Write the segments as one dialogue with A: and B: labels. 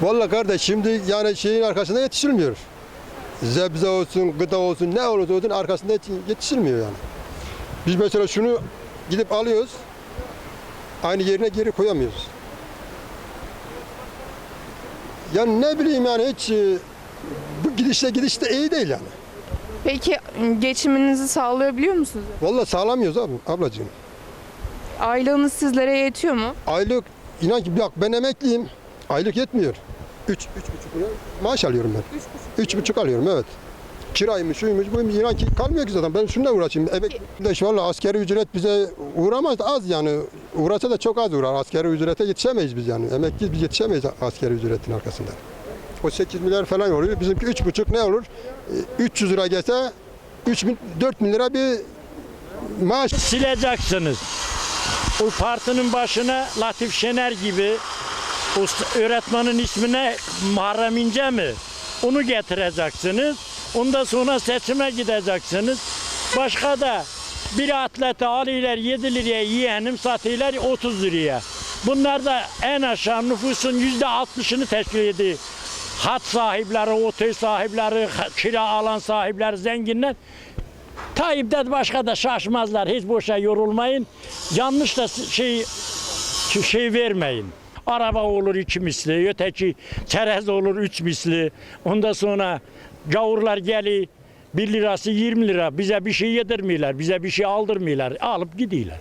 A: Vallahi kardeş şimdi yani şeyin arkasında yetişilmiyor. Zebze olsun, gıda olsun, ne olursa olsun arkasında yetişilmiyor yani. Biz mesela şunu gidip alıyoruz, aynı yerine geri koyamıyoruz. Yani ne bileyim yani hiç bu gidişte iyi değil yani.
B: Peki geçiminizi sağlayabiliyor musunuz?
A: Vallahi sağlamıyoruz abi, ablacığım.
B: Aylığınız sizlere yetiyor mu?
A: Aylık inan ki bak ben emekliyim. Aylık yetmiyor. 3,5 lira maaş alıyorum ben. 3,5 alıyorum evet. Kiraymış, şuymuş, buymuş. İnan ki kalmıyor ki zaten. Ben şununla uğraşayım. Evet, valla asgari ücret bize uğramaz az yani. Uğrasa da çok az uğrar. Asgari ücrete yetişemeyiz biz yani. Emekliyiz biz yetişemeyiz asgari ücretin arkasından. O 8 milyar falan oluyor. Bizimki 3,5 ne olur? 300 lira gelse 4 bin lira bir maaş.
C: Sileceksiniz. O partinin başına Latif Şener gibi öğretmenin ismine Muharrem İnce mi? Onu getireceksiniz. Ondan sonra seçime gideceksiniz. Başka da bir atlete alıyorlar 7 liraya yiyenim satıyorlar 30 liraya. Bunlar da en aşağı nüfusun %60'ını teşkil ediyor. Hat sahipleri, otel sahipleri, kira alan sahipleri, zenginler. Tayyip'ten başka da şaşmazlar. Hiç boşa yorulmayın. Yanlış da şey vermeyin. Araba olur 2 misli, öteki çerez olur 3 misli. Ondan sonra gavurlar geliyor 1 lirası 20 lira. Bize bir şey yedirmiyorlar, bize bir şey aldırmıyorlar. Alıp gidiyorlar.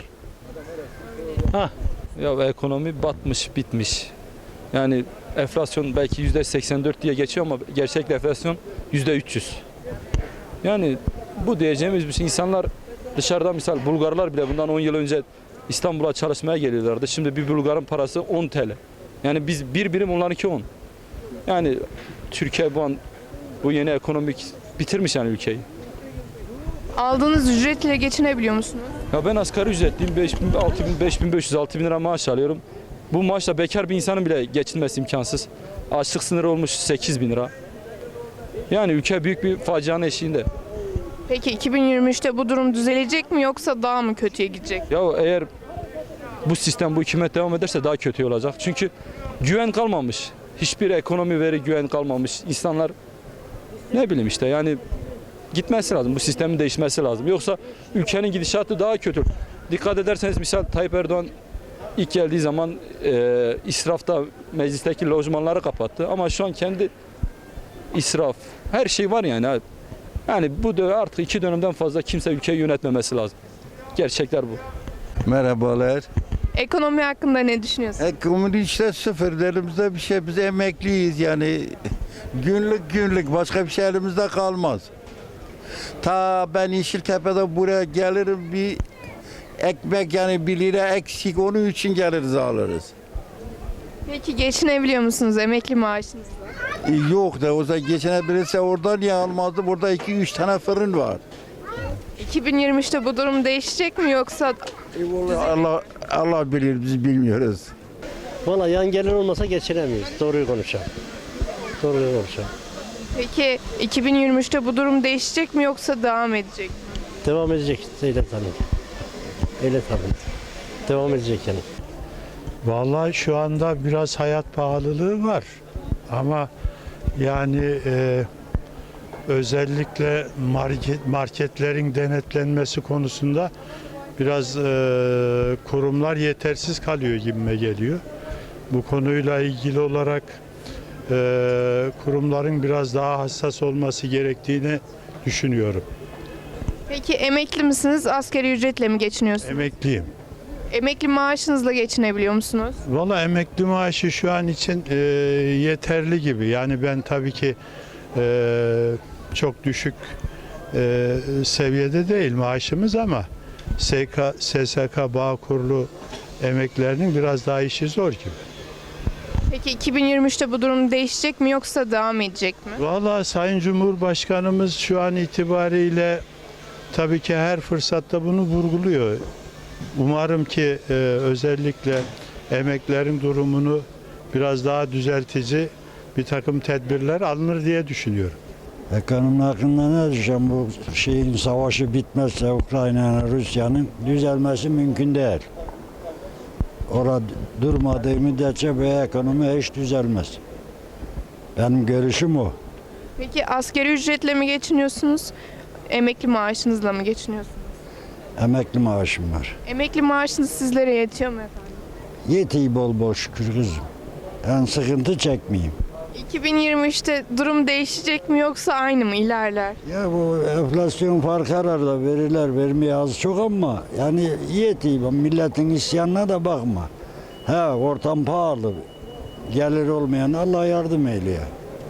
D: Ya ekonomi batmış, bitmiş. Yani enflasyon belki %84 diye geçiyor ama gerçek enflasyon %300. Yani bu diyeceğimiz bir şey. İnsanlar dışarıdan misal Bulgarlar bile bundan 10 yıl önce İstanbul'a çalışmaya geliyorlardı. Şimdi bir Bulgarın parası 10 TL. Yani biz bir birim onlarınki 10. Yani Türkiye bu yeni ekonomik bitirmiş yani ülkeyi.
B: Aldığınız ücretle geçinebiliyor musunuz?
D: Ya ben asgari ücretliyim. 5500, 6000 lira maaş alıyorum. Bu maaşla bekar bir insanın bile geçinmesi imkansız. Açlık sınırı olmuş 8000 lira. Yani ülke büyük bir facianın eşiğinde.
B: Peki 2023'te bu durum düzelecek mi yoksa daha mı kötüye gidecek?
D: Ya eğer bu sistem, bu hükümet devam ederse daha kötü olacak. Çünkü güven kalmamış. Hiçbir ekonomi veri güven kalmamış. İnsanlar ne bileyim işte yani gitmesi lazım. Bu sistemin değişmesi lazım. Yoksa ülkenin gidişatı daha kötü. Dikkat ederseniz misal Tayyip Erdoğan ilk geldiği zaman israfta meclisteki lojmanları kapattı. Ama şu an kendi israf, her şey var yani. Yani bu artık 2 dönemden fazla kimse ülkeyi yönetmemesi lazım. Gerçekler bu.
E: Merhabalar.
B: Ekonomi hakkında ne düşünüyorsunuz?
E: Ekonomi işte sıfır elimizde bir şey. Biz emekliyiz yani. Günlük başka bir şey elimizde kalmaz. Ta ben Yeşiltepe'de buraya gelirim bir ekmek yani 1 lira eksik onun için geliriz alırız.
B: Peki geçinebiliyor musunuz emekli maaşınızla?
E: Yok da o zaman geçinebilirse oradan niye almazdı? Burada 2-3 tane fırın var.
B: 2023'te bu durum değişecek mi yoksa
E: Allah bilir biz bilmiyoruz.
F: Valla yan gelir olmasa geçinemeyiz. Doğruyu konuşalım.
B: peki 2023'te bu durum değişecek mi yoksa devam edecek mi?
F: Devam edecek. Öyle tabii. Devam edecek yani.
G: Vallahi şu anda biraz hayat pahalılığı var ama yani özellikle marketlerin denetlenmesi konusunda biraz kurumlar yetersiz kalıyor gibime geliyor. Bu konuyla ilgili olarak kurumların biraz daha hassas olması gerektiğini düşünüyorum.
B: Peki emekli misiniz? Asgari ücretle mi geçiniyorsunuz?
G: Emekliyim.
B: Emekli maaşınızla geçinebiliyor musunuz?
G: Valla emekli maaşı şu an için yeterli gibi. Yani ben tabii ki çok düşük seviyede değil maaşımız ama SSK, Bağkurlu emeklilerinin biraz daha işi zor gibi.
B: Peki 2023'te bu durum değişecek mi yoksa devam edecek mi?
G: Valla Sayın Cumhurbaşkanımız şu an itibariyle tabii ki her fırsatta bunu vurguluyor. Umarım ki özellikle emeklilerin durumunu biraz daha düzeltici bir takım tedbirler alınır diye düşünüyorum.
H: Ekonomi hakkında ne diyeceğim? Bu şeyin savaşı bitmezse Ukrayna'nın, Rusya'nın düzelmesi mümkün değil. Orada durmadığı müddetçe bu ekonomi hiç düzelmez. Benim görüşüm o.
B: Peki asgari ücretle mi geçiniyorsunuz? Emekli maaşınızla mı geçiniyorsunuz?
H: Emekli maaşım var.
B: Emekli maaşınız sizlere yetiyor mu efendim?
H: Yetiyor bol bol şükür kızım. Ben sıkıntı çekmeyeyim.
B: 2023'te durum değişecek mi yoksa aynı mı ilerler?
H: Ya bu enflasyon farkı arada veriler vermeye az çok ama yani yetiyor. Milletin isyanına da bakma. He ortam pahalı. Gelir olmayan Allah yardım eyleye.